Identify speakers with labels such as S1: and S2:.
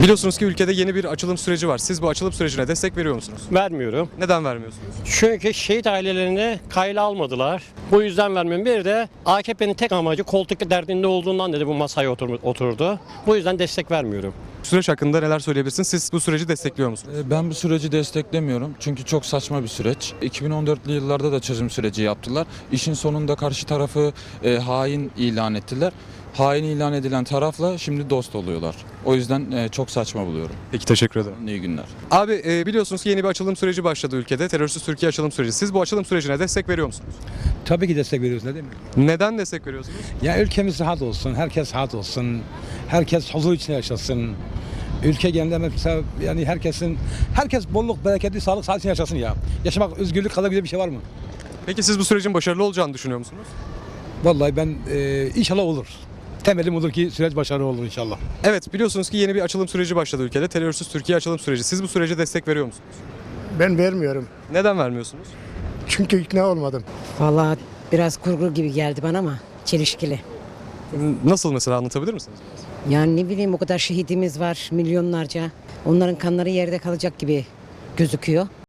S1: Biliyorsunuz ki ülkede yeni bir açılım süreci var. Siz bu açılım sürecine destek veriyor musunuz?
S2: Vermiyorum.
S1: Neden vermiyorsunuz?
S2: Çünkü şehit ailelerini kayla almadılar. Bu yüzden vermiyorum. Bir de AKP'nin tek amacı koltuk derdinde olduğundan dedi bu masaya oturdu. Bu yüzden destek vermiyorum.
S1: Süreç hakkında neler söyleyebilirsiniz? Siz bu süreci destekliyor musunuz?
S3: Ben bu süreci desteklemiyorum çünkü çok saçma bir süreç. 2014'lü yıllarda da çözüm süreci yaptılar. İşin sonunda karşı tarafı hain ilan ettiler. Hain ilan edilen tarafla şimdi dost oluyorlar. O yüzden çok saçma buluyorum.
S1: Peki, teşekkür ederim.
S3: İyi günler.
S1: Abi biliyorsunuz ki yeni bir açılım süreci başladı ülkede. Terörsüz Türkiye açılım süreci. Siz bu açılım sürecine destek veriyor musunuz?
S4: Tabii ki destek veriyoruz, ne demek?
S1: Neden destek veriyorsunuz?
S4: Ya ülkemiz rahat olsun, herkes rahat olsun, herkes huzur içinde yaşasın. Ülke genelinde mesela yani herkes bolluk, bereketli, sağlık, sağlık içinde yaşasın ya. Yaşamak, özgürlük kadar güzel bir şey var mı?
S1: Peki siz bu sürecin başarılı olacağını düşünüyor musunuz?
S4: Vallahi ben inşallah olur. Temelim olur ki süreç başarılı olur inşallah.
S1: Evet, biliyorsunuz ki yeni bir açılım süreci başladı ülkede. Terörsüz Türkiye açılım süreci. Siz bu sürece destek veriyor musunuz?
S5: Ben vermiyorum.
S1: Neden vermiyorsunuz?
S5: Çünkü ikna olmadım.
S6: Vallahi biraz kurgu gibi geldi bana ama çelişkili.
S1: Nasıl mesela, anlatabilir misiniz?
S6: Yani ne bileyim, o kadar şehidimiz var milyonlarca. Onların kanları yerde kalacak gibi gözüküyor.